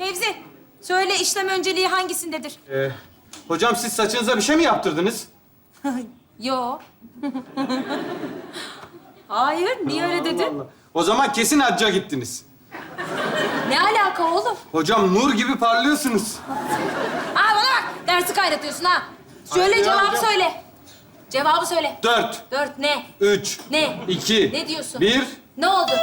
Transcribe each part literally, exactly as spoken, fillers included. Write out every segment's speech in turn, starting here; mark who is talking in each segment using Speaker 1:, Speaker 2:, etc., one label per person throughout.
Speaker 1: Fevzi, söyle işlem önceliği hangisindedir?
Speaker 2: Ee, hocam siz saçınıza bir şey mi yaptırdınız?
Speaker 1: Yo. Hayır, niye öyle dedin?
Speaker 2: O zaman kesin hacca gittiniz.
Speaker 1: Ne alaka oğlum?
Speaker 2: Hocam nur gibi parlıyorsunuz.
Speaker 1: Aa bana bak, dersi kaynatıyorsun ha. Söyle
Speaker 2: Hayır ya
Speaker 1: cevabı
Speaker 2: hocam.
Speaker 1: söyle. Cevabı söyle.
Speaker 2: Dört,
Speaker 1: Dört ne?
Speaker 2: üç,
Speaker 1: Ne?
Speaker 2: iki,
Speaker 1: Ne diyorsun?
Speaker 2: bir.
Speaker 1: Ne oldu?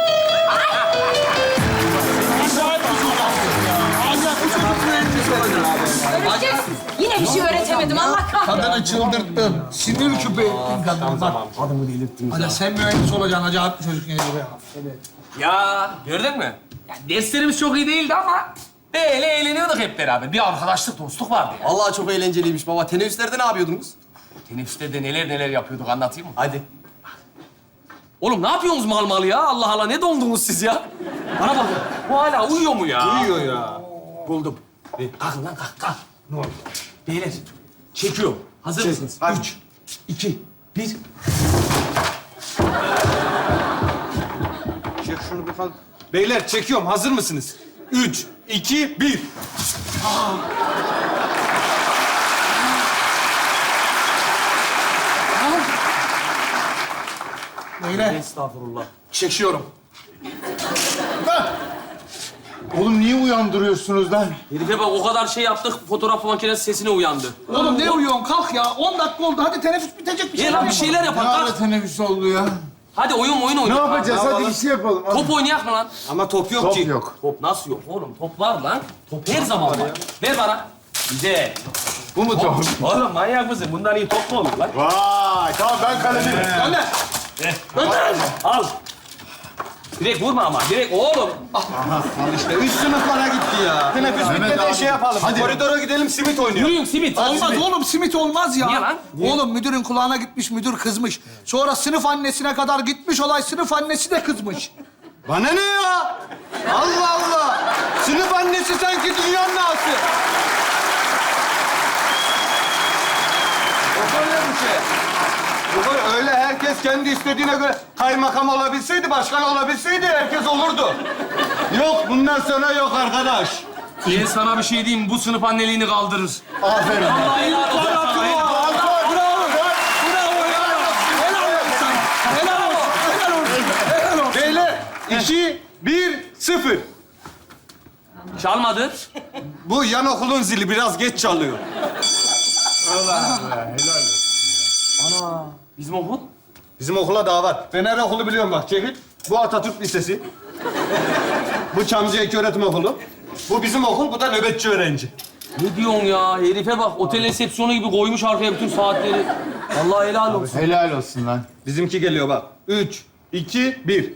Speaker 1: Öğreteceksin. Yine bir şey öğretemedim. Allah kahretsin.
Speaker 3: Kadını çıldırttın. Sinir küpe ettin kadını. Bak, adamı delirttin. Hadi sen mühendis olacaksın. Acayip bir çocuk yani be. Evet.
Speaker 4: Ya gördün mü? Ya, derslerimiz çok iyi değildi ama böyle eğleniyorduk hep beraber. Bir arkadaşlık, dostluk vardı ya.
Speaker 5: Vallahi çok eğlenceliymiş baba. Teneffüslerde ne yapıyordunuz?
Speaker 4: Teneffüste neler neler yapıyorduk anlatayım mı?
Speaker 5: Hadi.
Speaker 4: Oğlum ne yapıyorsunuz mal mal ya? Allah Allah ne dondunuz siz ya? Bana bakın. Bu hala uyuyor mu ya?
Speaker 2: Uyuyor ya.
Speaker 4: Buldum. E, kalkın lan kalk kalk. Ne oldu? Beyler çekiyor. Hazır
Speaker 2: Çek,
Speaker 4: mısınız?
Speaker 2: hadi.
Speaker 4: Üç, iki, bir.
Speaker 2: Çek şunu bir falan. Beyler çekiyorum. Hazır mısınız? Üç, iki, bir.
Speaker 3: Beyler,
Speaker 4: Estağfurullah.
Speaker 3: çekiyorum.
Speaker 6: Oğlum niye uyandırıyorsunuz lan?
Speaker 4: Herife bak o kadar şey yaptık fotoğraf makinesi sesine uyandı.
Speaker 3: Oğlum ne uyuyorsun? Kalk ya. On dakika oldu. Hadi teneffüs bitecek bir
Speaker 4: Niye
Speaker 3: şey
Speaker 4: lan bir şeyler
Speaker 6: Ne
Speaker 4: yapalım.
Speaker 6: ara
Speaker 4: Kalk.
Speaker 6: teneffüs oldu ya?
Speaker 4: Hadi oyun oyun
Speaker 6: Ne
Speaker 4: oynayalım.
Speaker 6: yapacağız?
Speaker 2: Ne
Speaker 6: Hadi
Speaker 2: yapalım?
Speaker 6: bir şey yapalım. Hadi.
Speaker 4: Top oynayak mı lan?
Speaker 2: Ama top yok
Speaker 6: Top
Speaker 2: ki.
Speaker 6: yok.
Speaker 4: Top nasıl yok oğlum? Top var lan. Top her zaman var. Ver bana. Güzel.
Speaker 6: Bu mu top?
Speaker 4: Oğlum manyak mısın? Bundan iyi top mu olur lan?
Speaker 6: Vay! Tamam ben kaleciyim.
Speaker 4: Gönder. Gönder. Al. Direkt vurma ama. Direkt oğlum.
Speaker 2: İşte üç sınıflara gitti ya. Teneffüs
Speaker 6: Mehmet
Speaker 2: bitmeden
Speaker 6: abi.
Speaker 2: şey yapalım.
Speaker 6: Hadi.
Speaker 2: Koridora gidelim, simit oynayalım.
Speaker 4: Yürüyün simit.
Speaker 3: Olmaz oğlum, simit olmaz ya.
Speaker 4: Niye lan?
Speaker 3: Oğlum müdürün kulağına gitmiş, müdür kızmış. Sonra sınıf annesine kadar gitmiş olay, sınıf annesi de kızmış.
Speaker 2: Bana ne ya? Allah Allah! Sınıf annesi sanki dünyanın ağası. Yok öyle bir şey. Yok öyle- öyle herkes kendi istediğine göre kaymakam olabilseydi, başkan olabilseydi herkes olurdu. Yok, bundan sonra yok arkadaş.
Speaker 4: Ben sana bir şey diyeyim. Bu sınıf anneliğini kaldırır.
Speaker 6: Aferin.
Speaker 4: Allah helal olsun sana. Helal
Speaker 2: Beyler, iki, bir, sıfır.
Speaker 4: Çalmadı.
Speaker 2: Bu yan okulun zili biraz geç çalıyor.
Speaker 4: Bizim okul.
Speaker 2: Bizim okula daha var. Ben her okulu biliyorum bak, çekil. Bu Atatürk Lisesi. Bu Çamlıca İlköğretim Okulu. Bu bizim okul, bu da nöbetçi öğrenci.
Speaker 4: Ne diyorsun ya? Herife bak. Otel resepsiyonu gibi koymuş arkaya bütün saatleri. Allah helal olsun.
Speaker 6: Helal olsun lan.
Speaker 2: Bizimki geliyor bak. Üç, iki, bir.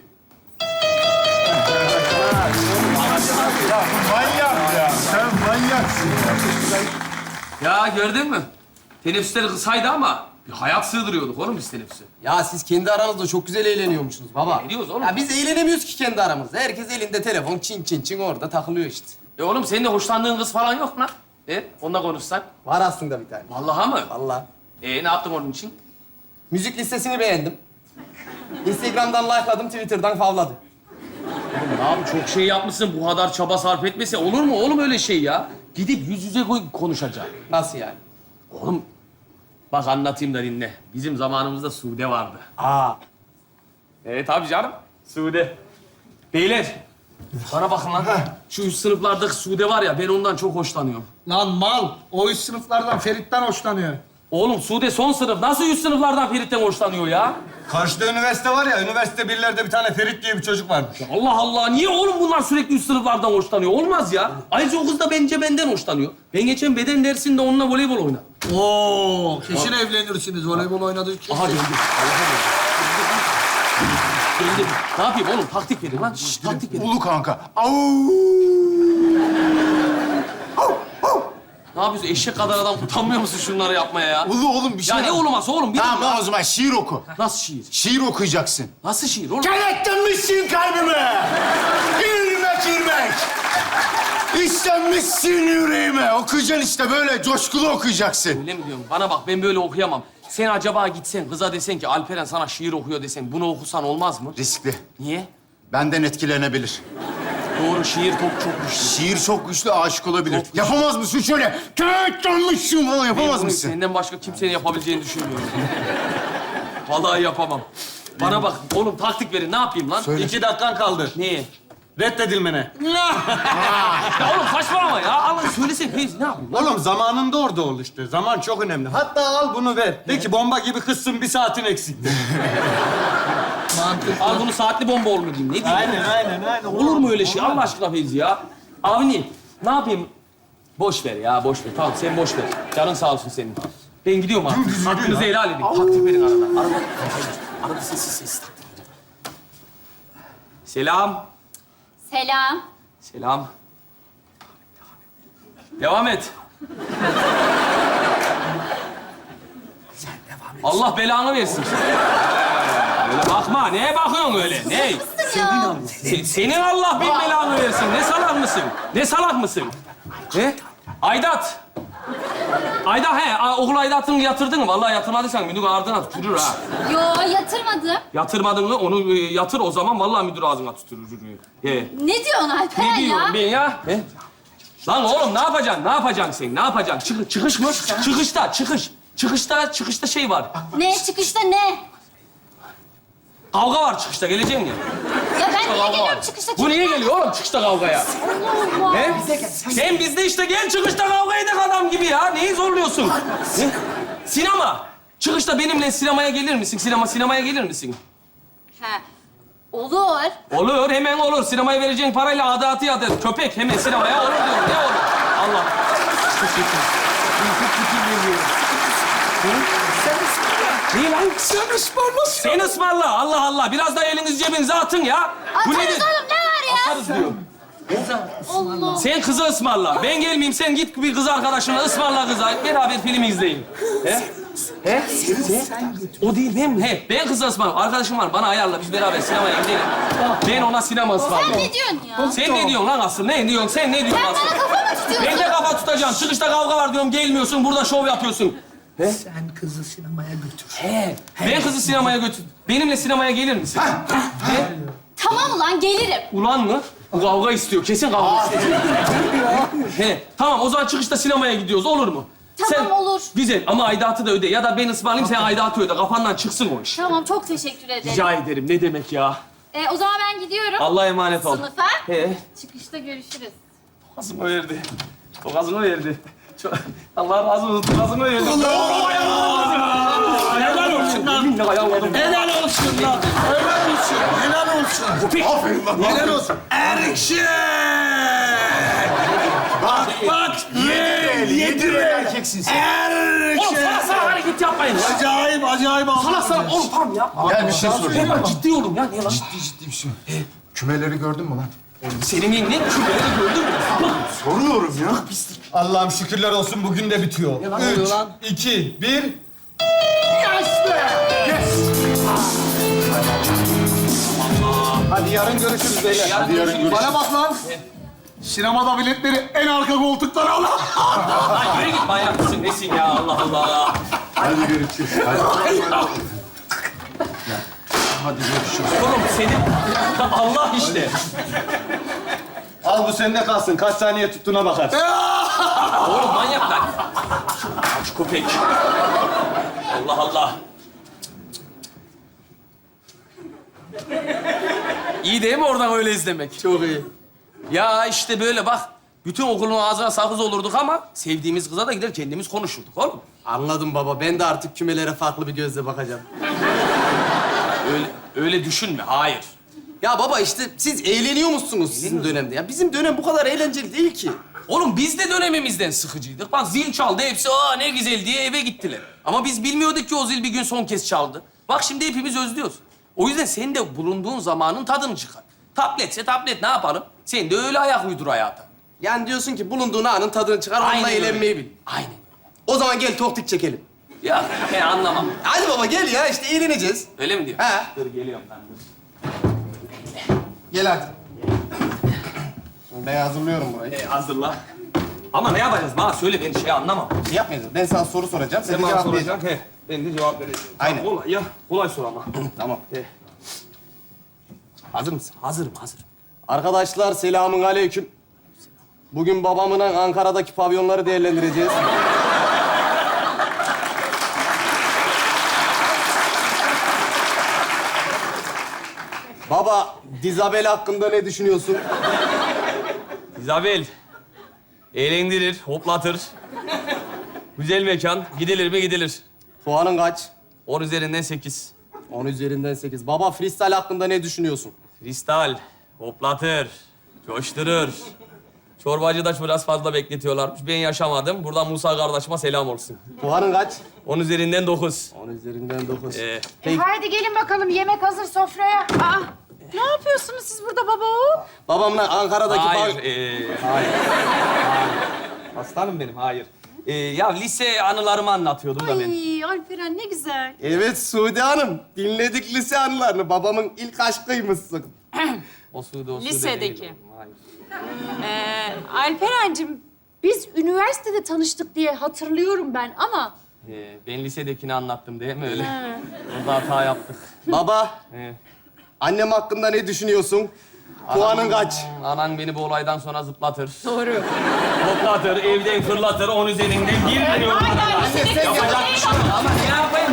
Speaker 6: Manyak ya. Sen manyaksın.
Speaker 4: Ya gördün mü? Teneffüsleri kısaydı ama bir hayat sığdırıyorduk oğlum biz teneffüse.
Speaker 5: Ya siz kendi aranızda çok güzel eğleniyormuşsunuz baba.
Speaker 4: Eğleniyoruz oğlum.
Speaker 5: Ya biz eğlenemiyoruz ki kendi aramızda. Herkes elinde telefon, çin çin çin orada takılıyor işte.
Speaker 4: E oğlum senin de hoşlandığın kız falan yok mu lan? E onunla konuşsak.
Speaker 5: Var aslında bir tane.
Speaker 4: Vallahi mı?
Speaker 5: Vallahi.
Speaker 4: E ne yaptın onun için?
Speaker 5: Müzik listesini beğendim. Instagram'dan like'ladım, Twitter'dan favladı.
Speaker 4: Oğlum abi çok şey yapmışsın. Bu kadar çaba sarf etmese olur mu oğlum öyle şey ya? Gidip yüz yüze koy konuşacak.
Speaker 5: Nasıl yani?
Speaker 4: Oğlum bak anlatayım da dinle. Bizim zamanımızda Sude vardı.
Speaker 5: Aa.
Speaker 4: Evet tabii canım. Sude. Beyler. Bana bakın lan. Şu üst sınıflardaki Sude var ya ben ondan çok hoşlanıyorum.
Speaker 3: Lan mal, o üst sınıflardan Ferit'ten hoşlanıyor.
Speaker 4: Oğlum Sude son sınıf. Nasıl üst sınıflardan Ferit'ten hoşlanıyor ya?
Speaker 2: Karşıda üniversite var ya, üniversite birlerde bir tane Ferit diye bir çocuk varmış.
Speaker 4: Allah Allah. Niye oğlum bunlar sürekli üst sınıflardan hoşlanıyor? Olmaz ya. Ayrıca o kız da bence benden hoşlanıyor. Ben geçen beden dersinde onunla voleybol oynadım.
Speaker 3: Oo, kesin evlenirsiniz. Voleybol oynadık kesin.
Speaker 4: Aha geldi. Geldi. Ne yapayım oğlum? Taktik verin lan. Şşş, taktik verin.
Speaker 6: Ulu kanka. Au!
Speaker 4: Ne yapıyorsun? Eşek kadar adam utanmıyor musun şunları yapmaya ya?
Speaker 6: Ulu oğlum bir şey
Speaker 4: Ya ne
Speaker 6: yap.
Speaker 4: olmaz oğlum? Bir
Speaker 6: Tamam
Speaker 4: dur ya.
Speaker 6: lan o zaman şiir oku.
Speaker 4: Nasıl şiir?
Speaker 6: Şiir okuyacaksın.
Speaker 4: Nasıl şiir oğlum?
Speaker 6: Kenetlenmişsin kalbime. İrmek irmek. İstenmişsin yüreğime. Okuyacaksın işte böyle coşkulu okuyacaksın.
Speaker 4: Öyle mi diyorsun? Bana bak ben böyle okuyamam. Sen acaba gitsen kıza desen ki Alperen sana şiir okuyor desen bunu okusan olmaz mı?
Speaker 6: Riskli.
Speaker 4: Niye?
Speaker 6: Benden etkilenebilir.
Speaker 4: Doğru, şiir çok çok güçlü.
Speaker 6: Şiir çok güçlü, aşık olabilir.
Speaker 4: Çok güçlü.
Speaker 6: Yapamaz mısın şöyle? Köt yanlışım falan
Speaker 4: Ben
Speaker 6: yapamaz
Speaker 4: bunu
Speaker 6: mısın?
Speaker 4: senden başka kimsenin yapabileceğini düşünmüyorum. Vallahi yapamam. Bana bak, oğlum taktik verin. Ne yapayım lan?
Speaker 2: İki dakikan kaldı.
Speaker 4: Niye?
Speaker 2: Reddedilmene.
Speaker 4: Ya oğlum saçmalama ya. Allah söylesene. Feyzi, ne yapayım?
Speaker 2: Oğlum zamanında orada ol işte. Zaman çok önemli. Hatta al bunu ver. De ki bomba gibi kızsın, bir saatin eksikti.
Speaker 3: Mantıklı.
Speaker 4: Al bunu saatli bomba olur mu diyeyim? Ne diyeyim?
Speaker 2: aynen, aynen, aynen.
Speaker 4: Olur mu öyle şey? Allah aşkına Feyzi ya. Avni, ne yapayım? Boş ver ya, boş ver. Tamam, sen boş ver. Canın sağ olsun senin. Ben gidiyorum artık. Hakkınızı helal edin. Taktik verin arada. Arada, arada sessiz sessiz taktik verin. Selam.
Speaker 1: Selam.
Speaker 4: Selam. Devam et. Allah belanı versin. Öyle bakma. Neye bakıyorsun öyle? Ne? Se- senin Allah bin belanı versin. Ne salak mısın? Ne salak mısın? Ne? Aydat. Ayda he, a- okul aidatını yatırdın mı? Vallahi yatırmadıysan müdür ardına tükürür ha.
Speaker 1: Yo, yatırmadım.
Speaker 4: Yatırmadın mı onu e, yatır o zaman vallahi müdür ağzına tükürür. He.
Speaker 1: Ne diyorsun Alperen
Speaker 4: Ne diyorum
Speaker 1: ya?
Speaker 4: ben ya? He? Lan oğlum ne yapacaksın? Ne yapacaksın sen? Ne yapacaksın? Çık, çıkış mı? Çıkışta, çıkış. Çıkışta, çıkışta şey var.
Speaker 1: Ne? Çıkışta ne?
Speaker 4: Kavga var çıkışta. Gelecek mi?
Speaker 1: Ya ben niye
Speaker 4: Kavga var.
Speaker 1: geliyorum çıkışta?
Speaker 4: Bu niye geliyor oğlum çıkışta kavgaya?
Speaker 1: Allah Allah.
Speaker 4: He? Sen bizde işte gel çıkışta kavga edek adam gibi ya. Neyi zorluyorsun? Ne? Sinema. Çıkışta benimle sinemaya gelir misin? Sinema, sinemaya gelir misin?
Speaker 1: Ha. Olur.
Speaker 4: Olur, hemen olur. Sinemaya vereceğin parayla adatı yadır. Köpek hemen sinemaya olur diyorum. Ne olur? Allah. Çok kötü. Çok kötü geliyor. Niye lan? Sen ısmarla. Sen ısmarla. Allah Allah. Biraz daha eliniz cebinize atın ya.
Speaker 1: Atarız
Speaker 4: nedir?
Speaker 1: oğlum, ne var ya?
Speaker 4: Atarız diyor.
Speaker 1: Allah.
Speaker 4: Sen kızı ısmarla. Ben gelmeyeyim. Sen git bir kız arkadaşınla ısmarla kıza. Beraber film izleyin. He? He? Sen? O değil ben. He. Ben kızı ısmarla. Arkadaşım var. Bana ayarla. Biz beraber sinemaya gidelim. Ben ona sinema ısmarlayayım.
Speaker 1: Sen ne diyorsun ya?
Speaker 4: Sen ne diyorsun lan asıl? Ne diyorsun? Sen ne diyorsun
Speaker 1: Sen
Speaker 4: asıl?
Speaker 1: bana kafa mı tutuyorsun?
Speaker 4: Ben de kafa tutacağım. Çıkışta kavga var diyorum. Gelmiyorsun. Burada şov yapıyorsun.
Speaker 3: Sen kızı sinemaya götür.
Speaker 4: He. Ben kızı sinemaya götür. Benimle sinemaya gelir misin? He?
Speaker 1: Tamam ulan, gelirim.
Speaker 4: Ulan mı? Bu kavga istiyor. Kesin kavga istiyor. He. Tamam o zaman çıkışta sinemaya gidiyoruz. Olur mu?
Speaker 1: Tamam, olur.
Speaker 4: Güzel ama aidatı da öde. Ya da ben ısmarlayayım sen aidatı öde. Kafandan çıksın o iş.
Speaker 1: Tamam, çok teşekkür ederim.
Speaker 4: Rica ederim. Ne demek ya?
Speaker 1: Ee, o zaman ben gidiyorum.
Speaker 4: Allah'a emanet ol.
Speaker 1: Sınıfa.
Speaker 4: He.
Speaker 1: Çıkışta görüşürüz.
Speaker 4: Gazımı verdi. O gazımı verdi. Çok... Allah razı olsun. Gazımı verdi. Helal olsun lan. Yeminle ayarladım.
Speaker 3: Helal olsun lan. Helal olsun. Helal olsun.
Speaker 6: Aferin lan.
Speaker 3: Helal olsun. Erkek! Bak bak. Ye, yedir.
Speaker 6: Erkeksin sen.
Speaker 4: Oğlum sana
Speaker 3: Erkek!
Speaker 4: sana hareket yapmayın.
Speaker 3: Acayip acayip
Speaker 4: Sana sana oğlum tamam ya.
Speaker 6: Gel bir şey sorayım.
Speaker 4: Ben ciddi oğlum ya. Niye lan?
Speaker 6: Ciddi ciddi bir şey. Kümeleri gördün mü lan?
Speaker 4: Senin ne kümeleri gördün mü?
Speaker 6: Soruyorum ya.
Speaker 2: Allah'ım şükürler olsun bugün de bitiyor.
Speaker 3: Ne oluyor lan?
Speaker 2: iki, bir. Hadi yarın görüşürüz beyler.
Speaker 4: Hadi yarın görüşürüz.
Speaker 3: Bana bak lan. Sinemada biletleri en arka koltuklara al.
Speaker 4: Lan yürü git manyak mısın? Nesin ya Allah Allah.
Speaker 6: Hadi görüşürüz. Hadi. Hadi görüşürüz.
Speaker 4: Oğlum senin Allah işte.
Speaker 2: Al bu sende kalsın. Kaç saniye tuttuğuna bakar.
Speaker 4: Oğlum manyak lan. Aç köpek. Allah Allah. İyi değil mi oradan öyle izlemek?
Speaker 5: Çok iyi.
Speaker 4: Ya işte böyle bak. Bütün okulun ağzına sakız olurduk ama sevdiğimiz kıza da gider kendimiz konuşurduk oğlum.
Speaker 5: Anladım baba. Ben de artık kümelere farklı bir gözle bakacağım.
Speaker 4: Öyle, öyle düşünme, hayır.
Speaker 5: Ya baba işte siz eğleniyor musunuz sizin dönemde? Ya bizim dönem bu kadar eğlenceli değil ki.
Speaker 4: Oğlum biz de dönemimizden sıkıcıydık. Bak zil çaldı, hepsi aa ne güzel diye eve gittiler. Ama biz bilmiyorduk ki o zil bir gün son kez çaldı. Bak şimdi hepimiz özlüyoruz. O yüzden sen de bulunduğun zamanın tadını çıkar. Tabletse tablet ne yapalım? Sen de öyle ayak uydur hayata.
Speaker 5: Yani diyorsun ki bulunduğun anın tadını çıkar, onunla
Speaker 4: öyle.
Speaker 5: eğlenmeyi bil.
Speaker 4: Aynen.
Speaker 5: O zaman gel toktik çekelim.
Speaker 4: Ya ben anlamam.
Speaker 5: Hadi baba gel ya işte eğleneceğiz.
Speaker 4: Öyle mi diyor?
Speaker 5: He.
Speaker 4: Dur geliyorum ben.
Speaker 5: Gel hadi. Ben hazırlıyorum burayı.
Speaker 4: E, hazırla. Ama ne yapacağız? Bana söyle ben şey anlamam.
Speaker 5: Şey yapmayacağız. Ben sana soru soracağım. Sen,
Speaker 4: Sen
Speaker 5: de
Speaker 4: bana
Speaker 5: cevap
Speaker 4: soracaksın. He. Ben de cevap vereceğim.
Speaker 5: Aynen.
Speaker 4: Kolay ya. Kolay sor ama.
Speaker 5: vereceksin. Tamam.
Speaker 4: He.
Speaker 5: Hazır mısın?
Speaker 4: Hazırım, hazırım.
Speaker 5: Arkadaşlar selamun aleyküm. Bugün babamın Ankara'daki pavyonları değerlendireceğiz. Baba, Dizabel hakkında ne düşünüyorsun?
Speaker 4: İzabel. Eğlendirir, hoplatır. Güzel mekan. Gidilir mi gidilir.
Speaker 5: Puanın kaç?
Speaker 4: On üzerinden sekiz.
Speaker 5: On üzerinden sekiz. Baba, freestyle hakkında ne düşünüyorsun?
Speaker 4: Kristal. Hoplatır. Coşturur. Çorbacı da biraz fazla bekletiyorlarmış. Ben yaşamadım. Buradan Musa kardeşime selam olsun.
Speaker 5: Puanın kaç?
Speaker 4: On üzerinden dokuz.
Speaker 5: On üzerinden dokuz.
Speaker 4: Ee,
Speaker 5: Peki.
Speaker 7: E haydi gelin bakalım yemek hazır sofraya. Aa, ne yapıyorsunuz siz burada baba oğul?
Speaker 5: Babamın Ankara'daki
Speaker 4: hayır.
Speaker 5: pav-
Speaker 4: ee, hayır. Aslanım benim, hayır. Ee, ya lise anılarımı anlatıyordum da ben.
Speaker 7: Ay Alperen ne güzel.
Speaker 5: Evet Sude Hanım, dinledik lise anılarını. Babamın ilk aşkıymışsın.
Speaker 4: O suda, o suda
Speaker 7: Lisedeki.
Speaker 4: değil. Hayır.
Speaker 7: Ee, Alperen'cim biz üniversitede tanıştık diye hatırlıyorum ben ama...
Speaker 4: Ee, ben lisedekini anlattım değil mi öyle? Orada hata yaptık.
Speaker 5: Baba,
Speaker 4: Ee,
Speaker 5: annem hakkında ne düşünüyorsun? Puanın kaç?
Speaker 4: Anan beni bu olaydan sonra zıplatır. Doğru. Hoplatır, evden fırlatır, on üzerinden bir milyon. Yapacak bir şey yok. Ama ne yapayım?